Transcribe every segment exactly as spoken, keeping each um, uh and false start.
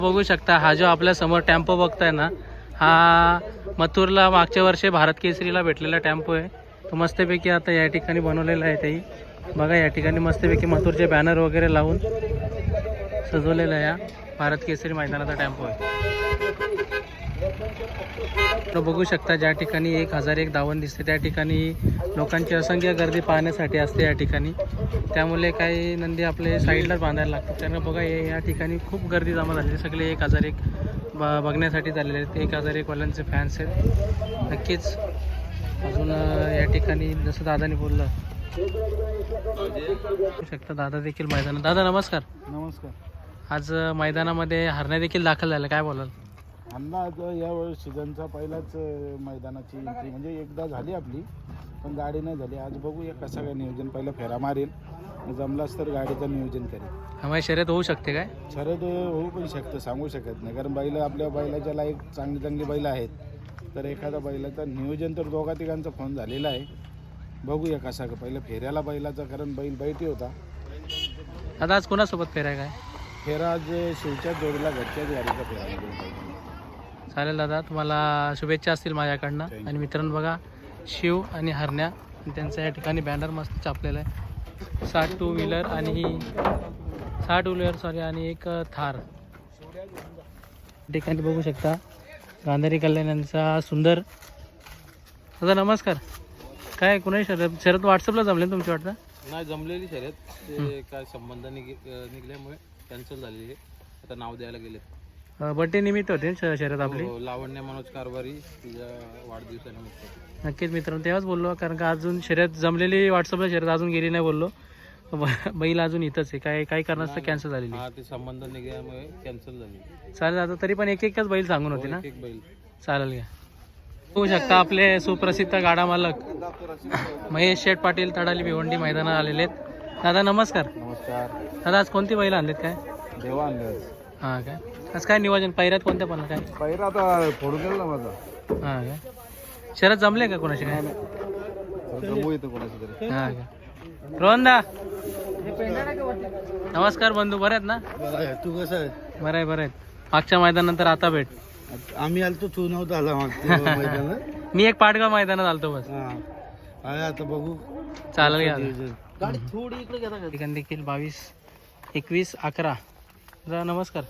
बघू शकता हा जो आपल्या समोर टेम्पो बघताय ना, हा मथुरला मागच्या वर्षी भारत केसरीला भेटलेला टेम्पो आहे. तो मस्तपैकी आता या ठिकाणी बनवलेला आहे. ताई बघा या ठिकाणी मस्तपैकी मथुरचे बॅनर वगैरे लावून सजवलेला आहे. या भारत केसरी मैदानाचा टेम्पो आहे. तो बघू शकता ज्या ठिकाणी एक हजार एक धावण दिसते त्या ठिकाणी लोकांची असंख्य गर्दी पाहण्यासाठी असते या ठिकाणी. त्यामुळे काही नंदी आपले साईडलाच बांधायला लागतात. त्यांना बघा या ठिकाणी खूप गर्दी जमा झाली. सगळे एक हजार एक ब बघण्यासाठी झालेले आहेत. एक हजार एक वाल्यांचे फॅन्स आहेत. नक्कीच अजून या ठिकाणी जसं दादाने बोललं बघू शकता दादा देखील मैदानात. दादा नमस्कार. नमस्कार. आज मैदानामध्ये हरण्या देखील दाखल झाल्या, काय बोलाल? अंदाज यावेळेस सीझनचा पहिलाच मैदानाची एंट्री म्हणजे एकदा झाली आपली, पण गाडी नाही झाली. आज बघूया कसं काय नियोजन. पहिलं फेरा मारेल, जमलाच तर गाडीचं नियोजन करेल. हमारी शर्यत होऊ शकते काय? शर्यत होऊ पण शकतं, सांगू शकत नाही. कारण बैल आपल्या बैलाच्या लायक चांगली चांगली बैल आहेत. तर एखादा बैलाचं नियोजन तर दोघा तिघांचा फोन झालेला आहे. बघूया कसा का. पहिलं फेऱ्याला बैलाचा, कारण बैल बैठी होता. आता आज कोणासोबत फेरा काय? फेरा आज शिवच्या जोडीला घरच्याच गाडीचा फेरा पाहिजे. चालेल दादा, तुम्हाला शुभेच्छा असतील माझ्याकडनं. आणि मित्रांनो बघा शिव आणि हरण्या त्यांचं या ठिकाणी बॅनर मस्त छापलेलं आहे. साठ टू व्हीलर आणि सहा टू व्हीलर सॉरी आणि एक थार ठिकाणी बघू शकता. गांधारी कल्याण यांचा सुंदर. दादा नमस्कार. काय कुणाही शर्यत शर्यत व्हॉट्सअपला जमले तुमची वाटतं? नाही जमलेली शर्यत, ते काय संबंध निघ निघल्यामुळे कॅन्सल झालेली आहे. आता नाव द्यायला गेले. बड्डे निमित्त होते श- शर्यत आपली. हो, लावण्य मनोज कारभारी तिच्या वाढदिवसानिमित्त. नक्कीच मित्रांनो तेव्हाच बोललो, कारण का अजून शर्यत जमलेली व्हॉट्सअपला शर्यत अजून गेली नाही बोललो. ब- बैल अजून इथंच आहे. काय काही कारणास्तव कॅन्सल झालेली. हा, ते संबंध निघल्यामुळे कॅन्सल झाली. चालेल आता तरी पण एक एकच बैल सांगून होते ना. एक एक बैल. चालेल घ्या. बघू शकता आपले सुप्रसिद्ध गाडा मालक महेश शेठ पाटील तडाली भिवंडी मैदानात आलेले आहेत. दादा नमस्कार. नमस्कार. दादा आज कोणती बैल आणलेत काय? देवा आणलं. हां काय आज काय नियोजन पैऱ्यात कोणत्या पण काय? पहिला आता फोडून गेला ना माझा. हां काय शरद जमले का कोणाशी काय? जमू येतं कोणाशी तरी. हां काय रोहनदा नमस्कार बंधू, बरे आहेत ना? तू कसं आहे? बरं आहे बरं आहेत. मागच्या मैदानानंतर आता भेट. आम्ही आलतो तू नव्हता आला मैदानात. मी एक पाटगाव मैदानात आलतो बस. हा आता बघू. चालेल घ्या. गाडी थोडी इकडे घ्या. ठिकाण देखील बावीस एकवीस अकरा. दादा नमस्कार.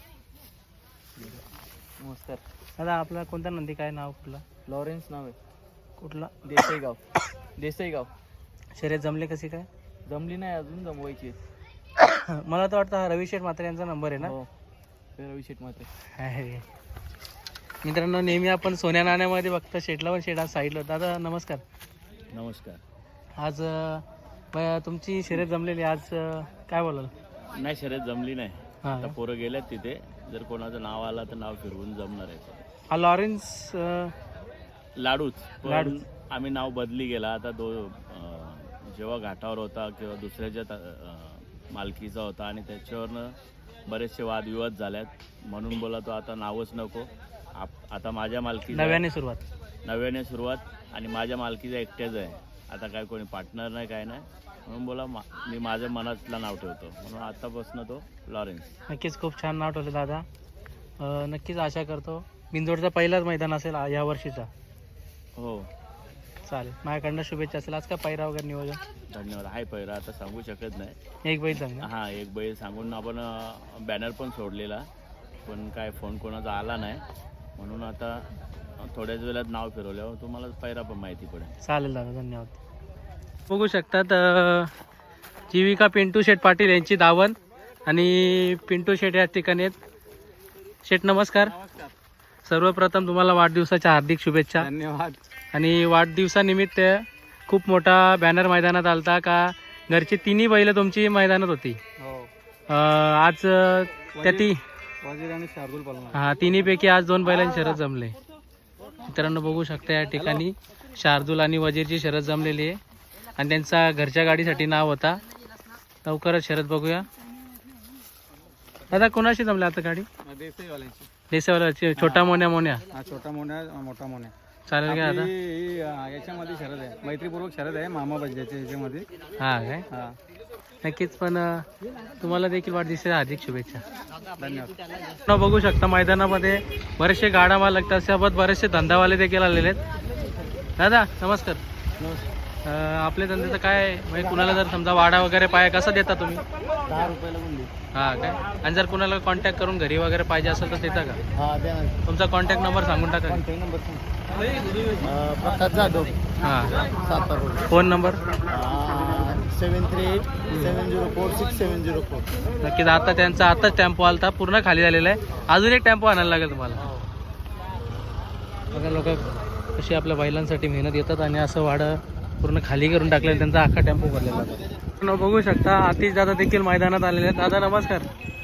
नमस्कार. दादा आपला कोणता नंदी, काय नाव कुठला? लॉरेन्स नाव आहे. कुठला? देसाईगाव. देसाईगाव. शर्यत जमले कशी काय? जमली नाही अजून, जमवायची. मला तर वाटतं हा रवी शेठ म्हात्रे यांचा नंबर आहे ना. हो, रवी शेठ मात्र. आहे. मित्रांनो नेहमी आपण सोन्या नाण्यामध्ये बघतो शेठला, पण शेठ आज साईडला. दादा नमस्कार. नमस्कार. आज अं, ब- तुमची शर्यत जमलेली आज, अं, काय बोलाल? नाही, शर्यत जमली नाही. हां आता पोरं गेल्यात तिथे. जर कोणाचं नाव आलं तर नाव फिरवून जमणार आहे. हा लॉरेन्स अं, लाडूच. पण लाडूच. आम्ही नाव बदली गेला. आता दो अं, जेव्हा घाटावर होता किंवा दुसऱ्याच्या ता- अं, मालकीचा होता आणि त्याच्यावरनं बरेचसे वादविवाद झाल्यात, म्हणून बोला तो आता नावच नको. आप आता माझ्या मालकी नव्याने सुरुवात. नव्याने सुरुवात आणि माझ्या मालकीचा एकट्याच आहे. आता काय कोणी पार्टनर नाही, काय नाही, म्हणून बोला मा मी माझ्या मनातला नाव ठेवतो, म्हणून आतापासून तो लॉरेन्स. नक्कीच खूप छान नाव ठेवलं दादा. अं, नक्कीच आशा करतो बिंदोडचा पहिलाच मैदान असेल आ- या वर्षीचा. हो चालेल, माझ्याकडनं शुभेच्छा असेल. आज काय पायरा वगैरे नियोजन? धन्यवाद. हाय पहिला आता सांगू शकत नाही. एक बैल सांग. हां, एक बैल सांगून आपण बॅनर पण सोडलेला, पण काय फोन कोणाचा आला नाही, म्हणून आता थोड्याच वेळात नाव फिरवल्यावर तुम्हाला पैरा पण माहिती पडेल. चालेल दादा, धन्यवाद. बघू शकतात अं, जीविका पिंटू शेठ पाटील यांची दावण आणि पिंटू शेठ या ठिकाणी आहेत. शेठ नमस्कार. सर्वप्रथम तुम्हाला वाढदिवसाच्या हार्दिक शुभेच्छा. धन्यवाद. आणि वाढदिवसानिमित्त खूप मोठा बॅनर मैदानात आलता का? घरची तिन्ही बैलं तुमची मैदानात होती. हो. अं, आज अं, त्या ती वजीर आणि शार्दूल पालना. हा तिन्हीपैकी आज दोन बैलांची शरद जमले. मित्रांनो बघू शकता या ठिकाणी शार्दूल आणि वजीरची शरद जमलेली आहे आणि त्यांचा घरच्या गाडीसाठी नाव होता. लवकरच शरद बघूया. दादा कोणाशी जमले आता गाडी? देसाईवाल्यांची. देसाईवाल्याची. छोटा मोन्या मोन्या. हा, छोटा मोन्या मोठा मोन्या. चालेल का आता? आपली ही, अं, याच्यामध्ये शरद आहे, मैत्रीपूर्वक शरद आहे मामा बजाच्या याच्यामध्ये. हा काय हा. नक्कीच. पण अं, तुम्हाला देखील वाढदिवसाच्या हार्दिक शुभेच्छा. धन्यवाद. न बघू शकता मैदानामध्ये बरेचसे गाडा मालक त्यासोबत बरेचसे धंदावाले देखील आलेले आहेत. दादा नमस्कार. अं, आपल्या धंद्याचं काय म्हणजे कुणाला जर समजा वाडा वगैरे पाय कसा देता तुम्ही? दहा रुपयाला बोलली. हां काय. आणि जर कुणाला कॉन्टॅक्ट करून घरी वगैरे पाहिजे असेल तर देता का? हा द्या ना. तुमचा कॉन्टॅक्ट नंबर सांगून टाका. कॉन्टॅक्ट नंबर प्रकाश जाधव हां. Satara. Phone number? Seven three eight seven zero four six seven zero four. नक्कीच. आता त्यांचा आताच टेम्पो आलता पूर्ण खाली झालेला आहे. अजून एक टेम्पो आणायला लागेल तुम्हाला. बघा लोक कशी आपल्या बैलांसाठी मेहनत येतात आणि असं वाडं पूर्ण खाली करून टाकलेलं त्यांचा अख्खा टेम्पो भरलेला आहे. आपण बघू शकता आतिश दादा देखील मैदानात आलेले आहेत. दादा नमस्कार.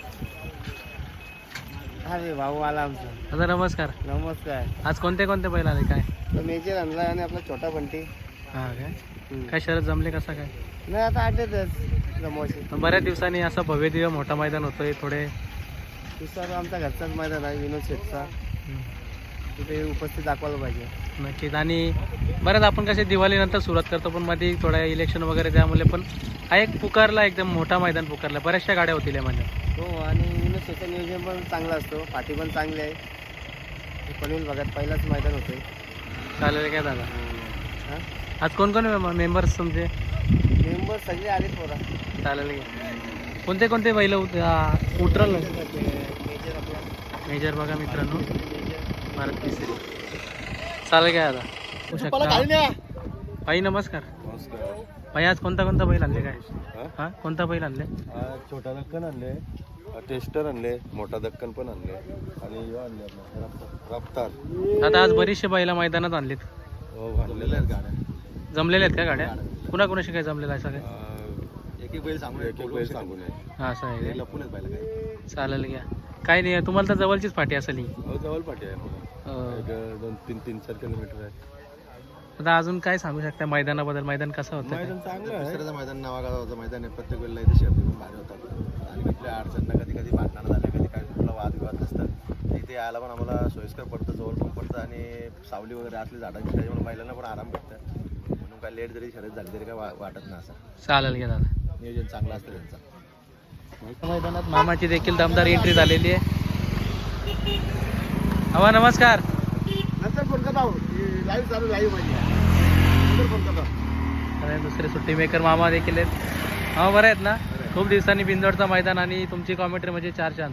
अरे भाऊ आला आमचा. दादा नमस्कार. नमस्कार. आज कोणते कोणते बैल आले काय? तो मेजर आणला आणि आपला छोटा बंटी. हां काय. काय शरद जमले कसं काय? नाही आता आठवतच जमवायचे. बऱ्याच दिवसांनी असं भव्य दिव्य मोठा मैदान होतोय. थोडे दुसरा आमचा घरचाच मैदान आहे विनोद शेठचा. तिथे उपस्थित दाखवायला पाहिजे. नक्कीच. आणि बऱ्याच आपण कसे दिवाळीनंतर सुरुवात करतो पण मध्ये थोड्या इलेक्शन वगैरे त्यामुळे पण हा एक पुकारला एकदम मोठा मैदान पुकारला. बऱ्याचशा गाड्या होतील यामध्ये. हो आणि विनोद शेठचं नियोजन पण चांगलं असतो. पाठी पण चांगली आहे. पनवेल भागात पहिलाच मैदान होते. चालेल काय दादा. हां आज कोण कोण मेंबर्स तुमचे? मेंबर सगळे आले पोरा. चालेल काय. कोणते कोणते बैल उतरल मेजर आपला मेजर बघा मित्रांनो. भारत केसरी. चालेल काय दादा. होऊ शकता. भाई नमस्कार. नमस्कार. भाई आज कोणता कोणता बैल आणले काय? हां कोणता बैल आणले? छोटा दक्कन आणले, टेस्टर आणले, मोठा दक्कन पण आणले आणि ह्यो आणले आपला रफ्तार. आता आज बरीचशे बैला मैदानात आणलेत. हो आणलेल्या आहेत गाड्या. जमलेल्या आहेत का गाड्या? कुणाकुणाशी काय जमलेलं आहे सगळं? एक एक बैल सांगून एक एक बैल सांगून आहे. हां असं आहे. लपूनच बैल काय. चालेल घ्या. काय नाही तुम्हाला तर जवळचीच पाठी असेल ही. हो जवळ पाठी आहे. अं, एक दोन तीन तीन चार किलोमीटर आहे. आता अजून काय सांगू शकता मैदानाबद्दल? मैदान कसं होतं? मैदान चांगलं आहे. दुसऱ्याचं मैदान नावागावाचं मैदान आहे. प्रत्येक वेळेला इथे शर्ती पण भारी होतात आणि कुठल्या अडचणीला कधी कधी भांडणं झाले कधी काय कुठला वादविवाद नसतात. इथे यायला पण आम्हाला सोयीस्कर पडतं, जवळ पण पडतं आणि सावली वगैरे असली झाडांची त्याच्यामुळे बैलांना पण आराम भेटतं. म्हणून काय लेट जरी शर्यत झाली तरी काय वा वाटत नाही. असं चालेल घ्या दादा. नियोजन चांगलं असतं त्यांचं. मैदानात मामाची देखील दमदार एंट्री झालेली आहे. हवा नमस्कार. नंतर फोन करता लाईव्ह चालू लाईव्ह मध्ये फोन करता. आणि दुसरे सुट्टी मेकर मामा देखील आहेत. हा बरं आहेत ना? खूप दिवसांनी बिंदोडचा मैदान आणि तुमची कॉमेंट्री म्हणजे चार चांद.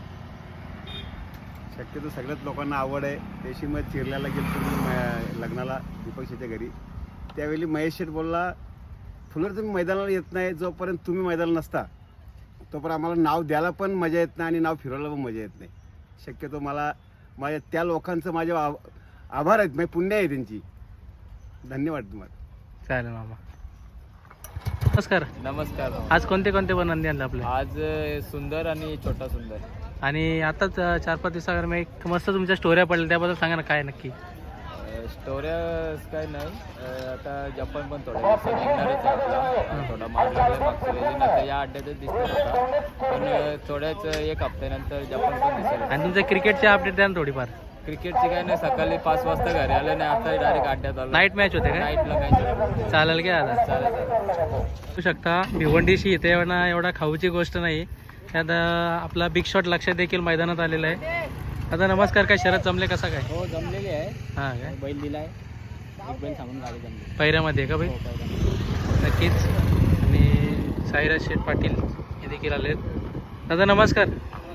शक्यतो सगळ्याच लोकांना आवड आहे. त्याशी मग चिरल्याला गेलो तुम्ही लग्नाला दीपक शेट्टी घरी. त्यावेळी महेश शेठ बोलला फुलर तुम्ही मैदानाला येत नाही, जोपर्यंत तुम्ही मैदानाला नसता तोपर्यंत आम्हाला नाव द्यायला पण मजा येत नाही आणि नाव फिरवायला पण मजा येत नाही. शक्यतो मला माझ्या त्या लोकांचं माझे आभार आहेत, माझी पुण्य आहे त्यांची. धन्यवाद तुम्हाला. चालेल मामा. नमस्कार. नमस्कार. आज कोणते कोणते पण नंदी आणले आपले? आज सुंदर आणि छोटा सुंदर. आणि आताच चार पाच दिवसावर मी एक मस्त तुमच्या स्टोऱ्या पडल्या त्याबद्दल सांगा ना काय नक्की? स्टोऱ्या काय नाही. अ, आता जपान पण थोड्या दिवसात निघणारच आहे आपला. थोडा माग लागला मागच्या वेळी आता या अड्ड्यातच दिसत होता पण थोड्याच एक हप्त्यानंतर जपान पण दिसेल. आणि तुमच्या क्रिकेटची अपडेट द्या ना थोडीफार. क्रिकेटची काय नाही, सकाळी पाच वाजता घरी आलं नाही, आता डायरेक्ट अड्ड्यात आलो. नाईट मॅच होते काय? नाईटला काय चालेल घ्या दादा. चालेल चालेल. बघू शकता भिवंडीशी इथे एवढा एवढा खाऊची गोष्ट नाही. त्यात अं, आपला बिग शॉट लक्ष देखील मैदानात आलेला आहे. आता नमस्कार. काय शरद जमले कसा काय? हो जमलेली आहे. हां काय. बैल दिलाय. एक बैल थांबून गाडी जमली. पहिऱ्यामध्ये का भाई? नक्कीच. आणि साईराज शेठ पाटील हे देखील आले आहेत. दादा नमस्कार.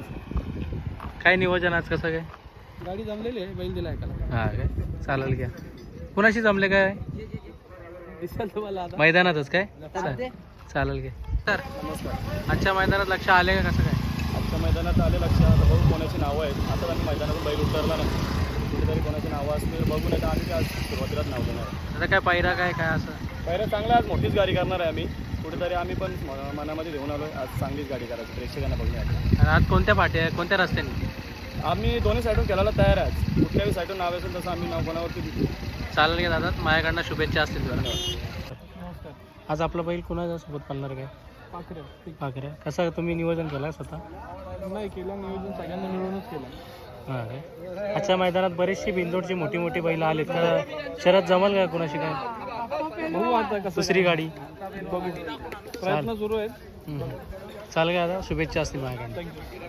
काय नियोजन आज कसं काय? गाडी जमलेली आहे, बैल दिलाय का? हां काय. चालेल घ्या. कुणाशी जमले काय? दिसेल तुम्हाला आता. मैदानातच काय? चा- चालेल घ्या. तर नमस्कार. आजच्या मैदानात लक्ष आले का कसं काय? आजच्या मैदानात आले लक्षात बघू कोणाची नावं आहेत. आता आम्ही मैदानातून बैल उतरला नाही, कुठेतरी कोणाची नावं असतील बघून येतं. आम्ही आज सुरुवातीलाच नाव देणार आहे. आता काय पायरा काय काय असं? पहिलं चांगलं आज मोठीच गाडी करणार आहे आम्ही. कुठेतरी आम्ही पण म- मनामध्ये घेऊन आलो आज चांगलीच गाडी करायची प्रेक्षकांना बघण्यासाठी. आणि आज कोणत्या पाट्या कोणत्या रस्त्याने? आम्ही दोन्ही साईडून खेळायला तयार आहे. कुठल्याही साईडून नाव असेल तसं आम्ही नाव कोणावरती देऊ. चालेल घ्या दादा. माझ्याकडनं शुभेच्छा असतील तुला. आज आपला बैल कुणाच्या सोबत पालणार काय? पाखरे पाखरे. कसं तुम्ही नियोजन केलं स्वतः? नाही केलं नियोजन, सगळ्यांना मिळूनच केलं. हां काय. आजच्या मैदानात बरीचशी बिंदोडची मोठी मोठी बैलं आलीत तर शरद जमल का कुणाशी काय? बघू आता कसं दुसरी गाडी बघू. प्रयत्न सुरू आहेत. हम्म. चालेल का दादा, शुभेच्छा असतील माझ्याकडे.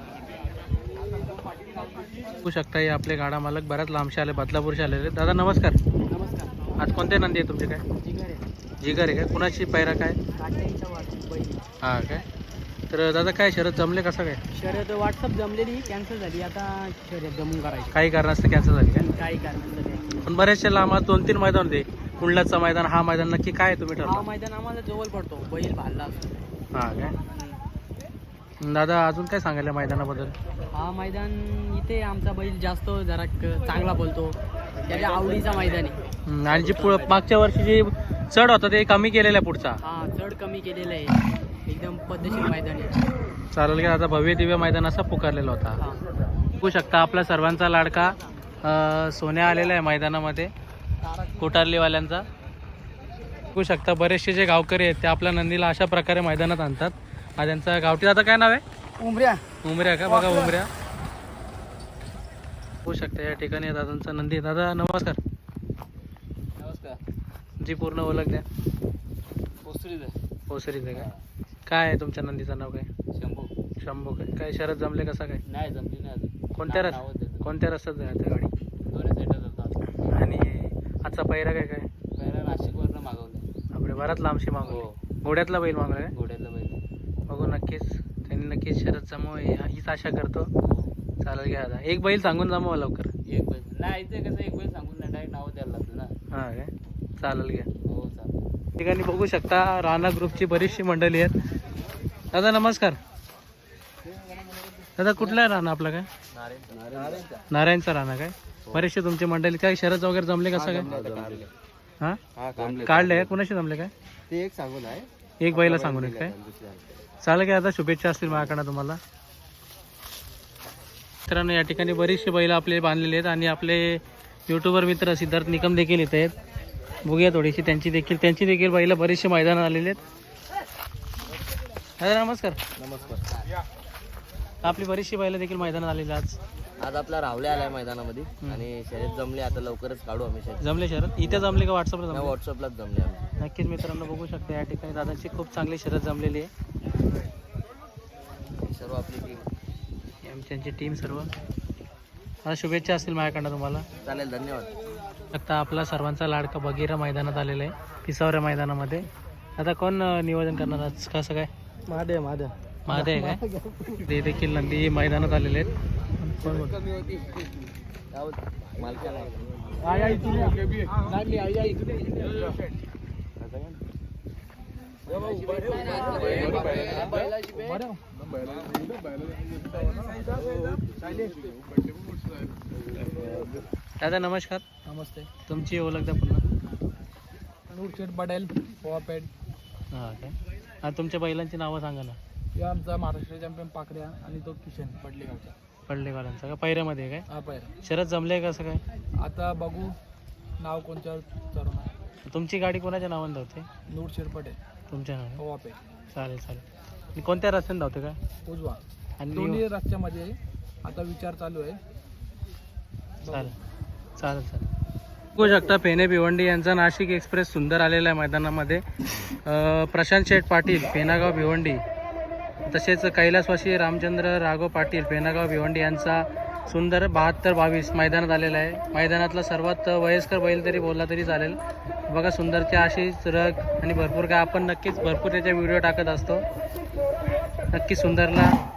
बघू शकता हे आपले गाडा मालक बऱ्याच लांबचे आले, बदलापूरचे आलेले. दादा नमस्कार. नमस्कार. आज कोणते नंदी आहे तुमचे काय? जिगर आहे. जिगर आहे काय? कुणाची पैरा काय? काट्यांचा वाट बैल. हां काय. तर दादा काय शरद जमले कसं काय? शर्यत व्हॉट्सअप जमलेली कॅन्सल झाली, आता शर्यत जमून करायची. काही कारणास्तव कॅन्सल झाली काय? काही कारण नाही. पण बरेचसे लांब आज दोन तीन मैदान होते. कुंडलाचं मैदान, हा मैदान नक्की काय तुम्ही हा ठरवा? मैदान आम्हाला जवळ पडतो, बैल भालला असतो. हां काय. दादा अजून काय सांगायला मैदानाबद्दल? हा मैदान इथे आमचा बैल जास्त जरा क- चांगला बोलतो, त्याच्या आवडीचा मैदान आहे. हम्म, आणि जी पुढं मागच्या वर्षी जी चढ होता ते कमी केलेला आहे पुढचा. हा चढ कमी केलेला आहे, एकदम पद्धतशीर मैदान आहे. चालेल का. आता भव्य दिव्य मैदान असा पुकारलेला होता. हा बघू शकता आपला सर्वांचा लाडका अ, सोन्या आलेला आहे मैदानामध्ये, कोटारलीवाल्यांचा. बघू शकता बरेचसे जे गावकरी आहेत ते आपल्या नंदीला अशा प्रकारे मैदानात आणतात. हा त्यांचा गावठी दादा काय नाव आहे? उमऱ्या. उमऱ्या का? बघा उमऱ्या. बघू शकता या ठिकाणी दादांचा नंदी. दादा नमस्कार. नमस्कार. जी पूर्ण ओळख द्या. पोसरीच ओसरीच आहे काय? काय आहे तुमच्या नंदीचं नाव काय? शंभू. शंभू काय? काय शरद जमले कसा काय? नाही जमली नाही अजून. कोणत्या रस नावच देतो. कोणत्या रस्त्यात जायचं गाडी? दोन्ही साईडला जातात. आणि आजचा पहिरा काय काय? पहिला नाशिकवरनं मागवलं. आपले बराच लांबशी मागवले. हो. घोड्यातला बैल मागवला काय? घोड्यातलं बैल. बघू नक्कीच त्यांनी नक्कीच शरद जमाव हीच आशा करतो. चालेल घ्या आता. एक बैल सांगून जमावा लवकर. एक बैल नाही, इथे कसं एक बैल सांगून नाही, डायरेक्ट नाव द्यायला लागतं ना. हां काय. चालेल घ्या. हो चालेल. ठिकाणी बघू शकता राणा ग्रुपची बरीचशी मंडळी आहेत. दादा नमस्कार. दादा कुठला आहे राणा आपला काय? नारायणचा राणा काय? बरेचसे तुमची मंडळी काय शरद वगैरे जमले कसं काय? हां काढले आहे. कुणाशी जमले काय? ते एक सांगून आहे, एक बैला सांगून एक काय? चालेल काय. आता शुभेच्छा असतील माझ्याकडनं तुम्हाला. मित्रांनो या ठिकाणी बरीचशी बैल आपले बांधलेले आहेत आणि आपले यूट्यूबर मित्र सिद्धार्थ निकम देखील इथे आहेत. बघूया थोडीशी त्यांची देखील त्यांची देखील बैल बरीचशी मैदानात आलेले आहेत. दादा नमस्कार. नमस्कार. आपली बरीचशी बैल देखील मैदानात आलेली आज. आज आपला रावले आलाय मैदानामध्ये आणि शर्यत जमली, आता लवकरच काढू आम्ही शर्यत. जमले शरद इथे जमले का व्हॉट्सअपला जमले? व्हॉट्सअपलाच जमले आम्ही. नक्कीच मित्रांनो बघू शकता या ठिकाणी दादांची खूप चांगली शरद जमलेली आहे. सर्व आपली टीम, त्यांची टीम सर्व. आता शुभेच्छा असतील माझ्याकडनं तुम्हाला. चालेल, धन्यवाद. आता आपला सर्वांचा लाडका बगीरा मैदानात आलेला आहे, पिसावऱ्या मैदानामध्ये. आता कोण अं, नियोजन करणार आज कसं काय? महादेव महादेव महादेव आहे काय? ते देखील नंदी मैदानात आलेले आहेत. कोण बोल? दादा नमस्कार. नमस्ते. तुमची ओळख द्या पुन्हा. नूरशेठ पटेल पोवापेठ. हां काय. हा तुमच्या बैलांची नावं सांगा ना. या आमचा महाराष्ट्र चॅम्पियन पाकड्या आणि तो किशन पडलेगावचा. पडलेवाल्यांचा का? पैऱ्यामध्ये आहे काय? हा पायरा. शरद जमले कसं काय? आता बघू नाव कोणत्या चरण आहे. तुमची गाडी कोणाच्या नावाने धावते? नूरशेठ पटेल तुमच्या नावाने. पोवापेठ. चालेल चालेल. आणि कोणत्या रस्त्याने धावते काय? उजवा. आणि दोन्ही रस्त्यामध्ये आता विचार चालू आहे. चालेल चालेल चालेल. बघू शकता फेने भिवंडी यांचा नाशिक एक्सप्रेस सुंदर आलेला आहे मैदानामध्ये. अं, प्रशांत शेठ पाटील पेनागाव भिवंडी, तसेच कैलासवासी रामचंद्र राघव पाटील पेनागाव भिवंडी यांचा सुंदर बहात्तर बावीस मैदानात आलेला आहे. मैदानातला सर्वात वयस्कर बैल तरी बोलला तरी चालेल. बघा सुंदरची अशीच रग आणि भरपूर काय आपण नक्कीच भरपूर त्याच्या व्हिडिओ टाकत असतो. नक्की सुंदरला